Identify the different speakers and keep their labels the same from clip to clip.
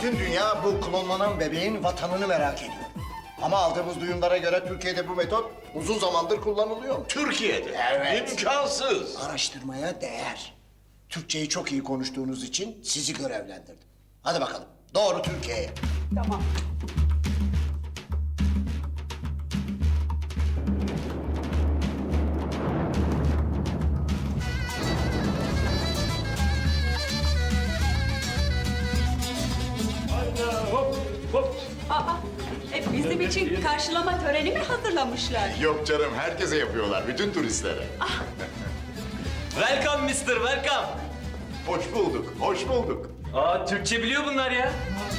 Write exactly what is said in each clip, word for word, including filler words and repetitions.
Speaker 1: Bütün dünya bu klonlanan bebeğin vatanını merak ediyor. Ama aldığımız duyumlara göre Türkiye'de bu metot uzun zamandır kullanılıyor.
Speaker 2: Türkiye'de.
Speaker 1: Evet.
Speaker 2: İmkansız.
Speaker 1: Araştırmaya değer. Türkçeyi çok iyi konuştuğunuz için sizi görevlendirdim. Hadi bakalım, doğru Türkiye'ye.
Speaker 3: Tamam.
Speaker 2: Hop hop.
Speaker 3: Aa, e, bizim için karşılama töreni mi hazırlamışlar?
Speaker 4: Yok canım, herkese yapıyorlar, bütün turistlere.
Speaker 5: Welcome mister, welcome.
Speaker 4: Hoş bulduk, hoş bulduk.
Speaker 5: Aa, Türkçe biliyor bunlar ya.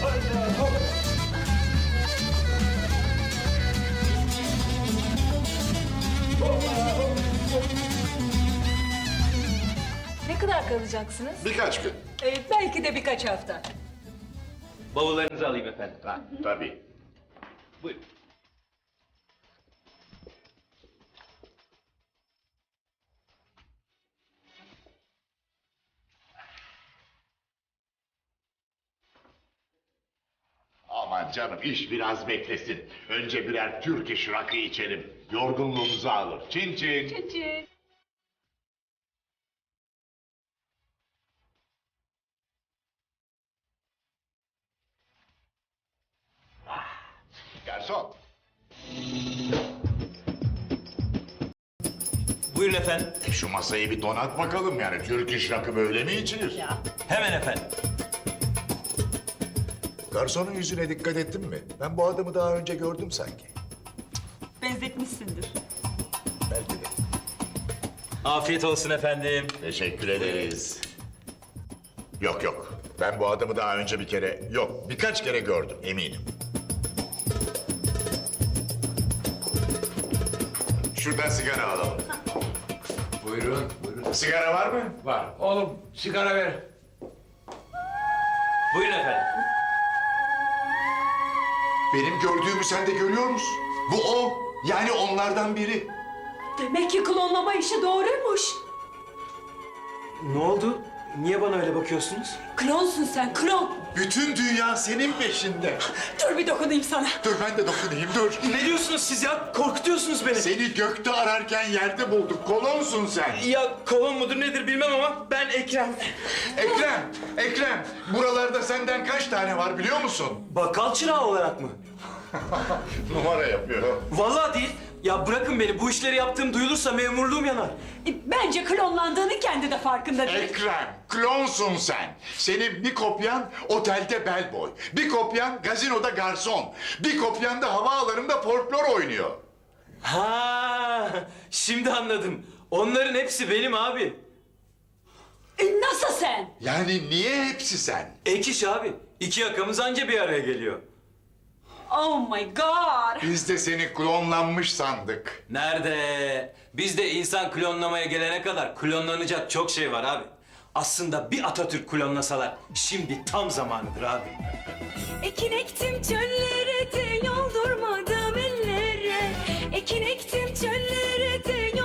Speaker 3: Ne kadar kalacaksınız?
Speaker 4: Birkaç gün.
Speaker 3: E, belki de birkaç hafta.
Speaker 5: Bavullarınızı alayım efendim.
Speaker 4: Ha, tabii.
Speaker 5: Buyurun.
Speaker 4: Aman canım, iş biraz beklesin. Önce birer Türk iş rakı içelim. Yorgunluğumuzu alır. Çin çin.
Speaker 3: Çiçek.
Speaker 4: Garson.
Speaker 5: Buyurun efendim.
Speaker 4: E şu masayı bir donat bakalım yani. Türk iş rakı böyle mi içilir?
Speaker 5: Hemen efendim.
Speaker 4: Garsonun yüzüne dikkat ettin mi? Ben bu adamı daha önce gördüm sanki.
Speaker 3: Benzetmişsindir.
Speaker 4: Belki de.
Speaker 5: Afiyet olsun efendim.
Speaker 4: Teşekkür ederiz. Yok yok. Ben bu adamı daha önce bir kere, yok birkaç kere gördüm eminim. Şuradan sigara alalım.
Speaker 6: Buyurun, buyurun.
Speaker 4: Sigara var mı?
Speaker 6: Var. Oğlum, sigara ver.
Speaker 5: Buyurun efendim.
Speaker 4: Benim gördüğümü sen de görüyor musun? Bu o. Yani onlardan biri.
Speaker 3: Demek ki klonlama işi doğruymuş.
Speaker 5: Ne oldu? Niye bana öyle bakıyorsunuz?
Speaker 3: Klonsun sen, klon.
Speaker 4: Bütün dünya senin peşinde.
Speaker 3: Dur bir dokunayım sana.
Speaker 4: Dur ben de dokunayım dur.
Speaker 5: Ne diyorsunuz siz ya? Korkutuyorsunuz beni.
Speaker 4: Seni gökte ararken yerde bulduk. Kolonsun sen.
Speaker 5: Ya kolon mudur nedir bilmem ama ben Ekrem.
Speaker 4: Ekrem, Ekrem. Buralarda senden kaç tane var biliyor musun?
Speaker 5: Bakkal çırağı olarak mı?
Speaker 4: Numara yapıyor.
Speaker 5: Vallahi değil. Ya bırakın beni. Bu işleri yaptığım duyulursa memurluğum yanar.
Speaker 3: E, bence klonlandığını kendi de farkında değil.
Speaker 4: Ekrem, klonsun sen. Senin bir kopyan otelde bellboy. Bir kopyan gazinoda garson. Bir kopyan da havaalanında folklor oynuyor.
Speaker 5: Ha, şimdi anladım. Onların hepsi benim abi.
Speaker 3: E, nasıl sen?
Speaker 4: Yani niye hepsi sen?
Speaker 5: Ek iş abi. İki yakamız anca bir araya geliyor.
Speaker 3: Oh my god.
Speaker 4: Biz de seni klonlanmış sandık.
Speaker 5: Nerede? Bizde insan klonlamaya gelene kadar klonlanacak çok şey var abi. Aslında bir Atatürk klonlasalar şimdi tam zamanıdır abi.
Speaker 7: Ekin ektim çöllere de yoldurmadım ellere. Ekin ektim çöllere de